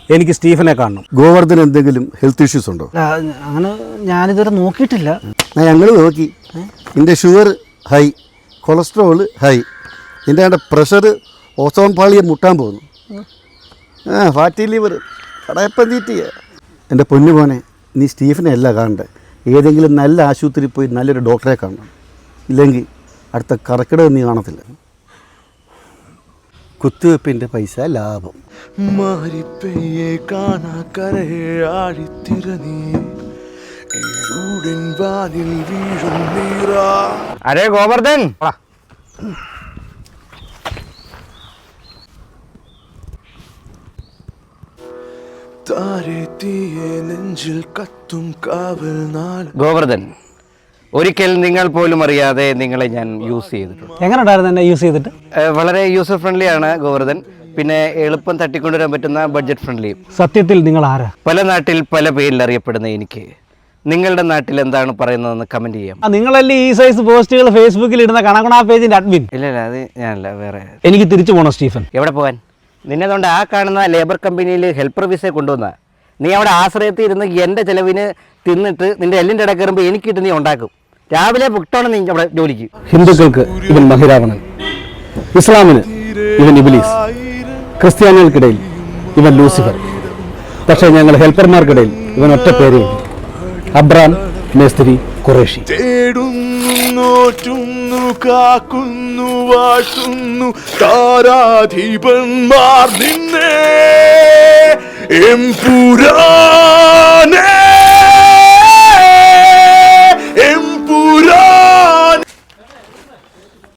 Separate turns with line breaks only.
എനിക്ക് സ്റ്റീഫനെ കാണണം.
ഗോവർദ്ധൻ എന്തെങ്കിലും ഹെൽത്ത് ഇഷ്യൂസ് ഉണ്ടോ?
അങ്ങനെ ഞാനിതുവരെ നോക്കിയിട്ടില്ല.
ഞങ്ങൾ നോക്കി. നിൻ്റെ ഷുഗർ ഹൈ, കൊളസ്ട്രോൾ ഹൈ, നിൻ്റെ പ്രഷർ ഓസോൺ പാളിയെ മുട്ടാൻ പോകുന്നു, ഫാറ്റി ലിവർ, കടയപ്പം തീറ്റിയ. എൻ്റെ പൊന്നു മോനെ, നീ സ്റ്റീഫനെ അല്ല കാണണ്ടേ, ഏതെങ്കിലും നല്ല ആശുപത്രിയിൽ പോയി നല്ലൊരു ഡോക്ടറെ കാണണം. ഇല്ലെങ്കിൽ അടുത്ത കറക്കിടം നീ കാണത്തില്ല. കുത്തിവെപ്പിൻ്റെ പൈസ ലാഭം.
മാറിപ്പെയ്യെ കാണാ കരയെ ആഴിത്തിരനീ വാനിൽ വീഴും നീറാ.
അരേ ഗോവർദ്ധൻ,
താരെ തീയെ നെഞ്ചിൽ കത്തും കാവൽ നാൾ.
ഗോവർദ്ധൻ, ഒരിക്കൽ നിങ്ങൾ പോലും അറിയാതെ നിങ്ങളെ ഞാൻ യൂസ് ചെയ്തിട്ടുണ്ട്.
എങ്ങനെ ഉണ്ടായിരുന്നു എന്നെ യൂസ് ചെയ്തിട്ട്?
വളരെ യൂസർ ഫ്രണ്ട്ലി ആണ് ഗോവർദ്ധൻ. പിന്നെ എളുപ്പം തട്ടിക്കൊണ്ടുവരാൻ പറ്റുന്ന ബഡ്ജറ്റ് ഫ്രണ്ട്ലിയും.
സത്യത്തിൽ നിങ്ങൾ ആരാ?
പല നാട്ടിൽ പല പേരിൽ അറിയപ്പെടുന്ന എനിക്ക് നിങ്ങളുടെ നാട്ടിൽ എന്താണ് പറയുന്നതെന്ന് കമന്റ് ചെയ്യാം.
നിങ്ങളല്ലേ ഈ സൈസ് പോസ്റ്റുകൾ ഫേസ്ബുക്കിൽ ഇടുന്ന കണക്കണാ പേജിന്റെ അഡ്മിൻ?
ഇല്ല, അത് ഞാനല്ല, വേറെ.
എനിക്ക് തിരിച്ചു പോകണം സ്റ്റീഫൻ.
എവിടെ പോകാൻ? നിന്നെതുകൊണ്ട് ആ കാണുന്ന ലേബർ കമ്പനിയിൽ ഹെൽപ്പർ വിസ കൊണ്ടുവന്ന നീ അവിടെ ആശ്രയത്തിൽ ഇരുന്ന് എൻ്റെ ചിലവിന് തിന്നിട്ട് നിന്റെ എല്ലിൻ്റെ ഇട കയറുമ്പോൾ എനിക്കിട്ട് നീ ഉണ്ടാക്കും. രാവിലെ പുട്ടാണ് നീ അവിടെ ജോലിക്ക്.
ഹിന്ദുക്കൾക്ക് ഇവൻ മഹിരാവണൻ, ഇസ്ലാമിന് ഇവൻ ഇബ്ലീസ്, ക്രിസ്ത്യാനികൾക്കിടയിൽ ഇവൻ ലൂസിഫർ. പക്ഷേ ഞങ്ങൾ ഹെൽപ്പർമാർക്കിടയിൽ ഇവൻ ഒറ്റ പേരേ ഉള്ളൂ, അബ്രാം മേസ്ത്രി ഖുറേഷി.
തേടുന്നു, കാക്കുന്നു, വാഴ്ത്തുന്നു താരാധിപന്മാർ നിന്നെ എംപുരാനേ.